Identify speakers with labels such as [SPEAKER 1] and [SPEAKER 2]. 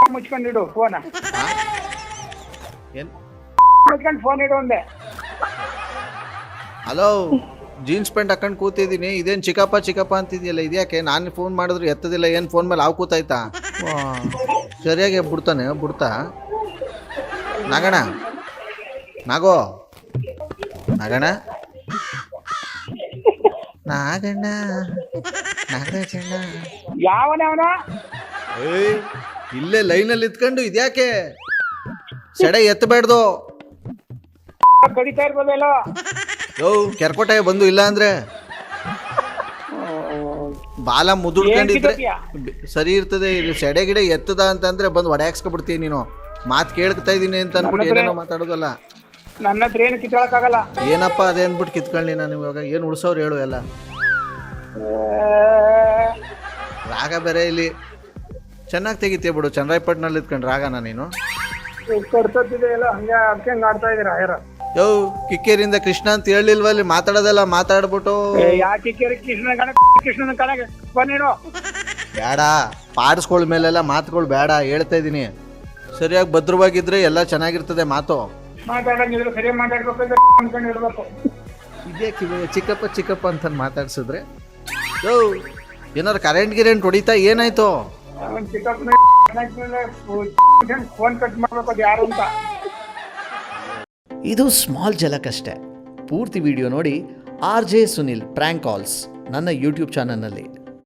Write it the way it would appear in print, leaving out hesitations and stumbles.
[SPEAKER 1] ಮುಚ್ಕೊಂಡಿಡು phone
[SPEAKER 2] ಏನು
[SPEAKER 1] ಮುಚ್ಕೊಂಡು phone ಇಡು ಒಂದೇ.
[SPEAKER 2] ಹಲೋ, ಜೀನ್ಸ್ ಪ್ಯಾಂಟ್ ಹಾಕೊಂಡು ಕೂತಿದ್ದೀನಿ, ಇದೇನು ಚಿಕ್ಕಪ್ಪ ಅಂತಿದ್ಯಲ್ಲ, ಇದ್ಯಾಕೆ? ನಾನು ಫೋನ್ ಮಾಡಿದ್ರು ಎತ್ತದಿಲ್ಲ, ಏನು ಫೋನ್ ಮೇಲೆ ಹಾವು ಕೂತಾಯ್ತಾ? ಸರಿಯಾಗಿ ಬಿಡ್ತಾ ನಾಗಣ ನಾಗೋ ನಾಗಣ ನಾಗಣ್ಣ ನಾಗಣ್ಣ
[SPEAKER 1] ಯಾವನ ಅವನ
[SPEAKER 2] ಏಯ್, ಇಲ್ಲೇ ಲೈನಲ್ಲಿ ಇತ್ಕೊಂಡು ಇದ್ಯಾಕೆ ಸೆಡೆ ಎತ್ತಬೇಡ್ದು.
[SPEAKER 1] ಕಡಿತಾ ಇರ್ಬೋದಲ್ಲ.
[SPEAKER 2] ಯೋ ಕೆರ್ಕೋಟೆ ಬಂದು ಇಲ್ಲ ಅಂದ್ರೆ ಬಾಲ ಮುದುಡ್ಕೊಂಡಿದ್ರೆ ಸರಿ ಇರ್ತದೆ. ಇಲ್ಲಿ ಸೆಡೆ ಗಿಡ ಎತ್ತದ ಅಂತಂದ್ರೆ ಬಂದು ಹೊಡೆಯಾಕ್ಸ್ಕೊಬಿಡ್ತೀನಿ. ನೀನು ಮಾತು ಕೇಳ್ತಾ ಇದ್ದೀನಿ ಅಂತ ಅನ್ಬಿಟ್ಟು ಏನೇನೋ ಮಾತಾಡೋದಲ್ಲ.
[SPEAKER 1] ನನ್ನ ಹತ್ರ ಏನು ಕಿತ್ಕೊಳಕ್ಕಾಗಲ್ಲ.
[SPEAKER 2] ಏನಪ್ಪ ಅದೇ ಅಂದ್ಬಿಟ್ಟು ಕಿತ್ಕೊಳ್ಳಿ. ನಾನು ಇವಾಗ ಏನು ಉಳ್ಸೋರು ಹೇಳು ಎಲ್ಲ. ರಾಗ ಬೇರೆ ಇಲ್ಲಿ ಚೆನ್ನಾಗಿ ತೆಗಿತೀಯ ಬಿಡು. ಚನ್ನರಾಯಪಟ್ಟಣಲ್ಲಿ ಇತ್ಕೊಂಡು ರಾಗನ ನೀನು
[SPEAKER 1] ಕೊಡ್ತಿದೆ ಎಲ್ಲ ಹಂಗೆ ಅದಕ್ಕೆ ಆಡ್ತಾ ಇದೀರ ಯಾರ.
[SPEAKER 2] ಯೋ ಕಿಕ್ಕೇರಿಂದ ಕೃಷ್ಣ ಅಂತ ಹೇಳಿಲ್ವ ಅಲ್ಲಿ ಮಾತಾಡೋದೆಲ್ಲ ಮಾತಾಡ್ಬಿಟ್ಟು
[SPEAKER 1] ಯಾಕೆ ಕೃಷ್ಣನ ಕಣಗೆ ಬನ್ನಿಡು.
[SPEAKER 2] ಬೇಡ, ಪಾಡಿಸ್ಕೊಳ್ ಮೇಲೆಲ್ಲ ಮಾತುಗಳು ಬೇಡ ಹೇಳ್ತಾ ಇದ್ದೀನಿ. ಸರಿಯಾಗಿ ಭದ್ರವಾಗಿದ್ರೆ ಎಲ್ಲ ಚೆನ್ನಾಗಿರ್ತದೆ ಮಾತು.
[SPEAKER 1] ಮಾತಾಡಂಗಿದ್ರೆ ಸರಿಯಾಗಿ ಮಾತಾಡ್ಬೇಕು ಅನ್ಕೊಂಡು ಇಡ್ಬೇಕು.
[SPEAKER 2] ಇದೇ ಚಿಕ್ಕಪ್ಪ ಅಂತ ಮಾತಾಡ್ಸಿದ್ರೆ ಯೋ ಏನಾರು ಕರೆಂಟ್ ಹೊಡಿತಾ ಏನಾಯ್ತು?
[SPEAKER 1] ಫೋನ್ ಕಟ್ ಮಾಡ್ಬೇಕು ಅದು ಯಾರು ಅಂತ.
[SPEAKER 3] ಇದು ಸ್ಮಾಲ್ ಝಲಕ್ ಅಷ್ಟೇ. ಪೂರ್ತಿ ವಿಡಿಯೋ ನೋಡಿ RJ ಸುನಿಲ್ ಪ್ರ್ಯಾಂಕ್ ಕಾಲ್ಸ್ ನನ್ನ ಯೂಟ್ಯೂಬ್ ಚಾನಲ್ನಲ್ಲಿ.